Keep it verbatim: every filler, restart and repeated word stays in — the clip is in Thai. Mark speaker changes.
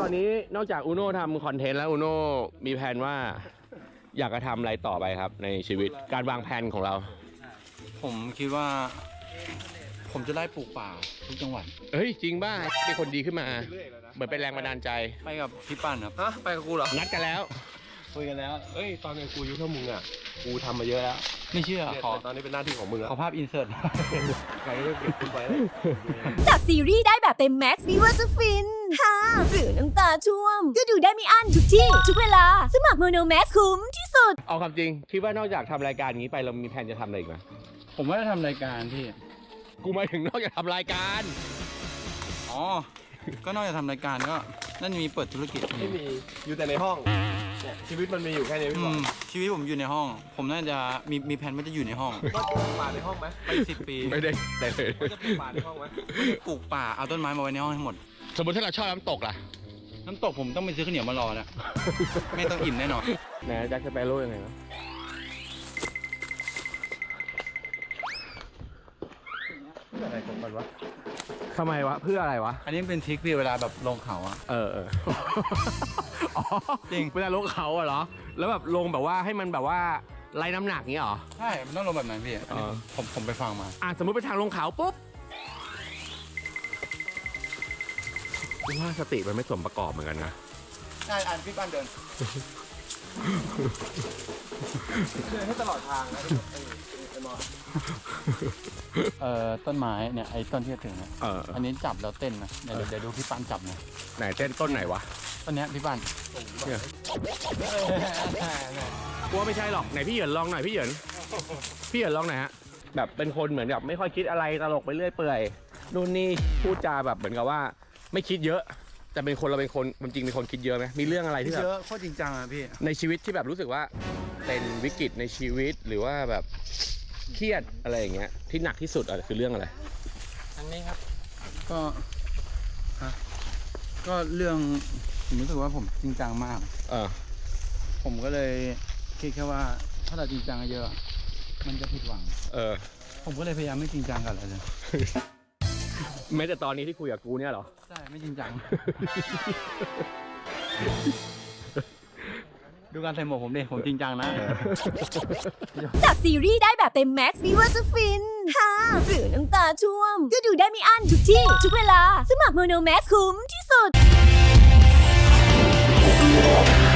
Speaker 1: อนนี้นอกจากอูโน่ทำคอนเทนต์แล้วอูโน่มีแผนว่าอยากจะทำอะไรต่อไปครับในชีวิตการวางแผนของเรา
Speaker 2: ผมคิดว่า ผมจะไล่ปลูกป่าทุกจังหวัด
Speaker 1: เฮ้ยจริงบ้าเป็นคนดีขึ้นมาเหมือนเป็นแรงบันดาลใจ
Speaker 2: ไปกับพี่ปั้นครับ
Speaker 3: ฮะไปกับกูเหรอ
Speaker 1: นัดกันแล้ว
Speaker 3: คุยกันแล้วเอ้ยตอนนี้กูอายุเท่ามึงอ่ะกูทำมาเยอะแล้ว
Speaker 2: ไม่เชื่อขอ
Speaker 3: ตอนนี้เป็นหน้าที่ของมึงแล้ว
Speaker 2: ขอภาพอินเสิร์ต
Speaker 3: ใครก็เก็บคุณไป
Speaker 4: จากซีรีส์ได้แบบเต็มแม็กซ์ไม่ว่าจะฟินฮ่าหรือน้ำตาช่วมก็ดูได้ไม่อั้นทุกที่ ทุกเวลาสมัครโมโนแม็กซ์คุ้มที่สุด
Speaker 1: เอาความจริงคิดว่านอกจากทำรายการนี้ไปเรามีแผนจะทำอะไรอีกไหม
Speaker 2: ผมว่าจะทำรายการพี่
Speaker 1: กูหมายถึงนอกจากทำรายการ
Speaker 2: อ๋อก็นอกจากทำรายการก็นั่นมีเปิดธุรกิจ
Speaker 3: ไม่มีอยู่แต่ในห้องชีวิตมันมีอยู่แค่นี้พี่บอล
Speaker 2: ชีวิตผมอยู่ในห้อง ผมน่าจะมีมีแผนว่าจะอยู่ในห้อง
Speaker 3: ก็ปลูกป่าในห้องไหม
Speaker 2: ไปสิบปี
Speaker 1: ไม่ได้แต่เลย
Speaker 3: จะปลูกป่าในห้องไหม
Speaker 2: ปลูกป่าเอาต้นไม้มาไว้ในห้องให้หมด
Speaker 1: สมมติถ้าเราชอบน้ำตกล่ะ
Speaker 2: น้ำตกผมต้องไปซื้อข้าวเหนียวมารอนะไม่ต้องอิ่มแน่นอน
Speaker 1: ไหนแจ็คสเปโร่ยังไงวะ
Speaker 3: อะไรของมันวะ
Speaker 1: ทำไมวะเพื่ออะไรวะ
Speaker 2: อันนี้เป็นทริคพี่เวลาแบบลงเขาอะ
Speaker 1: เออเออจริงเวลาลงเขาอะเหรอแล้วแบบลงแบบว่าให้มันแบบว่าไล่น้ำหนักงี้เหรอ
Speaker 2: ใช่มันต้องลงแบบนั้นพี่ผมผมไปฟังมา
Speaker 1: อ่ะสมมติไปทางลงเขาปุ๊บว่าสติมันไม่สมประกอบเหมือนกันนะ
Speaker 2: ใช่อ่านพี่ปั้นเดิน
Speaker 3: เดินให้ตลอดทางนะไอ้มอ
Speaker 2: เอ่อต้นไม้เนี่ยไอ้ต้นที่จะถึงเนี่ยอันนี้จับแล้วเต้นนะเดี๋ยวเดี๋ยวดูพี่ปั้นจับนะ
Speaker 1: ไหนเต้นต้นไหนวะ
Speaker 2: ต้นนี้พี่ปั้น
Speaker 1: เนี่ยกลัวไม่ใช่หรอกไหนพี่เหยินลองหน่อยพี่เหยินพี่เหยินลองหน่อยฮะแบบเป็นคนเหมือนแบบไม่ค่อยคิดอะไรตลกไปเรื่อยเปื่อยนู่นนี่พูดจาแบบเหมือนกับว่าไม่คิดเยอะแต่เป็นคนเราเป็นคนจริงเป็นคนคิดเยอะไหมมีเรื่องอะไรที่แบบ
Speaker 2: เยอะโคตรจริงจังอะพี่
Speaker 1: ในชีวิตที่แบบรู้สึกว่าเป็นวิกฤตในชีวิตหรือว่าแบบเครียดอะไรอย่างเงี้ยที่หนักที่สุดอะคือเรื่องอะไร
Speaker 2: อันนี้ครับก็ก็เรื่องผมรู้สึกว่าผมจริงจังมาก
Speaker 1: เออ
Speaker 2: ผมก็เลยคิดแค่ว่าถ้าเราจริงจังเยอะมันจะผิดหวัง
Speaker 1: เออ
Speaker 2: ผมก็เลยพยายามไม่จริงจังกับอะไรเลย
Speaker 1: แม้แต่ตอนนี้ที่คุยกับกูเนี่ยหรอ
Speaker 2: ใช่ไม่จริงจังดูการใส่หมวกผมดิผมจริงจังนะ
Speaker 4: จากซีรีส์ได้แบบเต็มแม็กซ์ไม่ว่าจะฟินฮ่าหรือน้ำตาช่วมก็ดูได้ไม่อั้นทุกที่ ทุกเวลาสมัครโมโนแม็กซ์คุ้มที่สุด